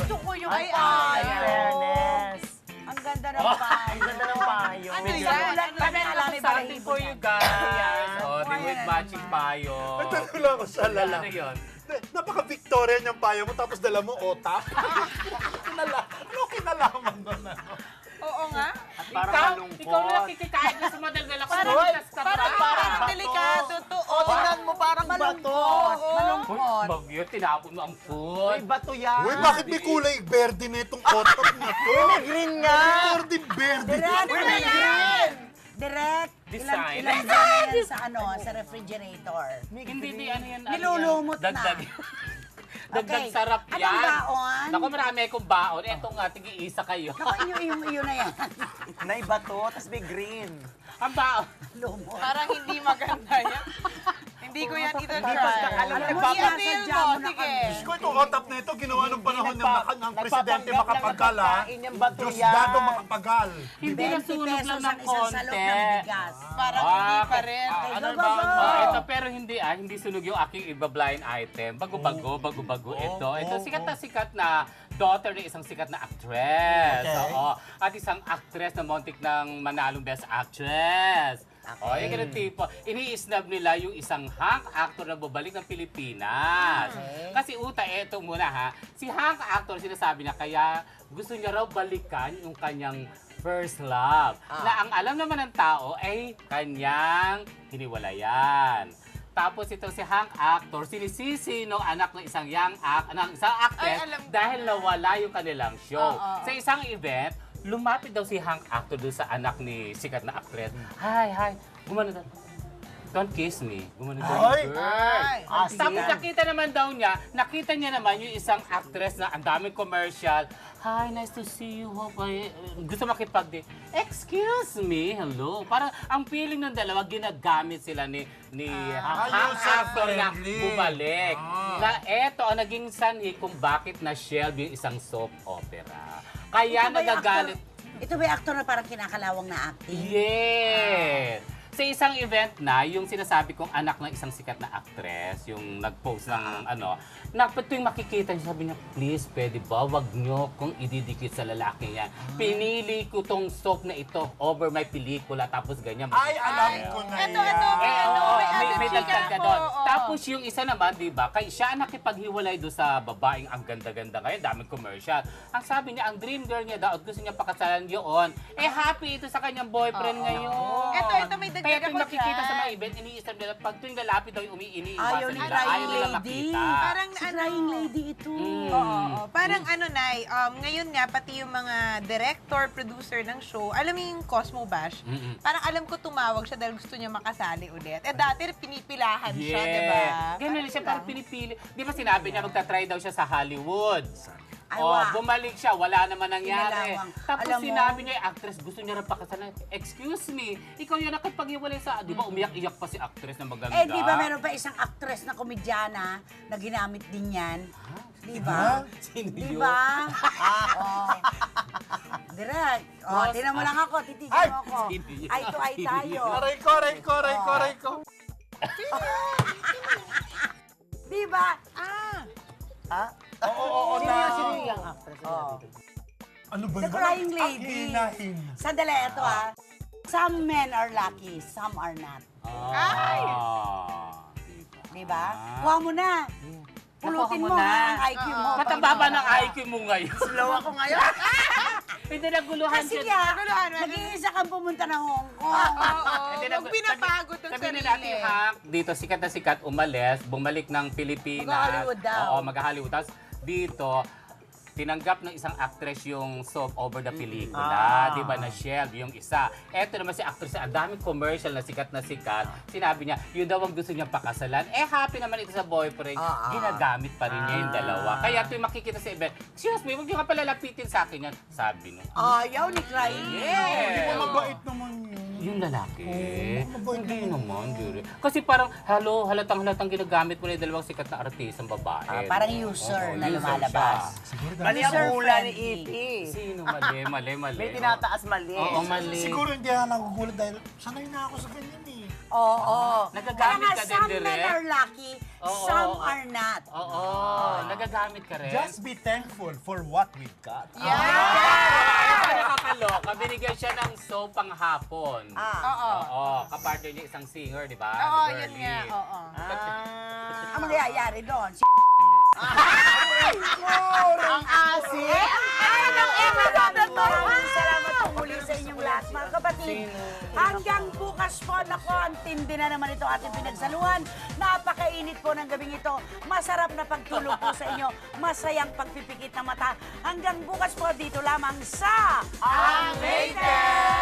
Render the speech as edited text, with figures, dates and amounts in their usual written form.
Gusto ko yung Ay, payo. fairness. Ang ganda ng payo. Ang ganda ng payo. Ano Sa yan? ulan pa Meron alam ako may something for you guys. Oh, di Ayan. with matching payo. Nagtanong lang ako sa lala. Ano yun? Napaka-Victorian yung payo mo, tapos dala mo otap. Ano kinalaman doon? Oo nga. Parang malungkot. Ikaw na nakikikain na sa madaldal ako. Parang delikado to. O, tingnan mo, parang bato. Malungkot. Bagyo, tinapon mo ang food. May bato yan. Uy, bakit may kulay berde na itong otap na to? May green nga. Berde, berde. Direct, Design. ilang buwan na yan sa sa refrigerator. Hindi, ano yan? Nilulumot na. Dagdag. Dagdag Okay. sarap yan. Anong baon? Naku, marami akong baon. Eto nga, tig-iisa kayo. Naku, iyo na yan. May bato, tas may green. Ang baon. Lumot. Parang hindi maganda yan. Hindi ko yan ito Hindi try. basta, alam mo, I-avail nagpapasadya mo, mo na sige. Diyos ko, itong otap na ito, ginawa ng panahon ng presidente Makapagal, ha? Yung bato Diyos yan. dado Makapagal. Hindi 20 nasunog pesos lang ang ng isang salok konti. ng bigas. Parang hindi pa Okay. rin. Okay, Ano go, ba? go, go. Ito, pero hindi sunog yung aking iba-blind item. Bago-bago ito. Ito, sikat na daughter ng isang sikat na actress. Okay. Oo. At isang actress na montik ng manalong best actress. O, yung ganun tipo. Ini-snub nila yung isang hunk actor na babalik ng Pilipinas. Okay. Kasi uta, eto muna ha. Si hunk actor, sinasabi niya, kaya gusto niya raw balikan yung kanyang first love. Na ang alam naman ng tao ay kanyang hiniwalayan. Tapos ito si hunk actor, sinisisi ng anak ng isang isang actress Ay, alam ko dahil na. nawala yung kanilang show. Oo. Sa isang event, lumapit daw si hunk actor doon sa anak ni sikat na actress. Hi, gumano daw. Don't kiss me. Gumano daw Ay! yung girl. Ay. Tapos nakita niya naman yung isang actress na ang daming commercial. Hi, nice to see you. Hope gusto makipag-date. Excuse me, hello. Parang ang feeling ng dalawa, ginagamit sila ni ang actor na user-friendly. bumalik. Na eto ang naging sanhi kung bakit na-shelve yung isang soap opera. Kaya Ito ba yung nagagalit. Ito ba yung actor na parang kinakalawang na acting? Yes! Sa isang event na, yung sinasabi kong anak ng isang sikat na actress, yung nag-post ng tuwing makikita niya, sabi niya, please, pwede ba, wag niyo kung ididikit sa lalaki yan. Pinili ko tong soap na ito over my pelikula, tapos ganyan. Ay, alam ko na Ito, yan. May chika dagdag ka ako, doon. oo. Tapos yung isa naman, di ba, kay siya ang nakipaghiwalay doon sa babaeng ang ganda-ganda ngayon, daming commercial. Ang sabi niya, ang dream girl niya daw, at gusto niya pakasalan yun. Happy ito sa kanyang boyfriend ngayon. Ito, may dagdag Kaya tuwing ako makikita sa dyan. mga event, iniisip nila, pag tuwing lalapit daw yung iniiwasan Ayaw ni nila, Crying ayaw nila Lady. makita. Parang Si Crying Lady ito. Oo. Parang Nay, ngayon nga, pati yung mga director, producer ng show, alam mo yung Cosmo Bash? Parang alam ko tumawag siya dahil gusto niya makasali ulit. Dati pinipilahan siya, di ba? Ganun siya, parang pinipili. Di ba sinabi niya, magta-try daw siya sa Hollywood. Ay, Oh, wa. bumalik siya, wala naman nangyari. Kinalawang. Tapos Alam mo- sinabi niya, actress, gusto niya rin pakasalan. Excuse me, ikaw yung nakipag-iwalay sa, di ba umiyak-iyak pa si actress na maganda? Eh, di ba meron pa isang actress na komedyana na ginamit din yan? Di ba? Sino Di yun? ba? Oh. Direct. Oh, tinan mo lang ako, titigil Ay! mo ako. Sino yun? Ay to ay Sino tayo. yun? Aray ko. Di ba? Oo, Sino yung actress? Ano ba The yun? Crying Ang Lady. hinahin. Sandali, ito Some men are lucky, some are not. Ay! Di ba? Kuha mo na. Pulutin mo na. ha, ang IQ mo. Mataba ba ng IQ mo ngayon? Slow ako ngayon. Hindi naguluhan Kasi siya. nga, nag-iisa kang pumunta ng Hong Kong. Oo. Hindi Huwag pinapagod ang Sabihin sarili. natin, Hank, dito sikat na sikat, umalis, bumalik ng Pilipinas. Mag-Hollywood daw. Oo, mag-Hollywood. Tapos dito, tinanggap ng isang actress yung soap over the pelikula. Di ba, na-shelve yung isa. Eto naman si actress, ang daming commercial na sikat. Sinabi niya, yun daw ang gusto niyang pakasalan. Happy naman ito sa boyfriend. Ginagamit pa rin niya yung dalawa. Kaya tuwing makikita sa event, excuse me, huwag niyo ka pala lapitin sa akin yan. Sabi niya. Ayaw ni Crying Yeah. Hindi mo mabait naman yun. Yung lalaki? mabait Hindi naman, Jure. Kasi parang, halatang ginagamit mo na yung dalawang sikat na artist, ang babae. Parang user na user lumalabas. siya. Mali ang hula ni User-friendly. EP. Sino? Mali. May tinataas mali. Oo, mali. Siguro hindi ako nagugulat dahil sanay na ako sa ganyan eh. Oo. Nagagamit ka din, some direct? men are lucky, Oo, some oo. are not. Oo, nagagamit ka rin. Just be thankful for what we've got. Kaya nakakaloka, binigyan siya ng soap pang hapon. Oo. Oo, kapartner niya isang singer, di ba? Oo, Na yun girly. nga. Oo. Ang mangyayari doon, Ang asin! Maraming salamat po muli sa inyong lahat, mga kapatid. Hanggang bukas po, nako, ang tindi na naman ito ating pinagsaluhan. Napakainit po ng gabing ito. Masarap na pagtulog po sa inyo. Masayang pagpipikit ng mata. Hanggang bukas po, dito lamang sa Ang Rated!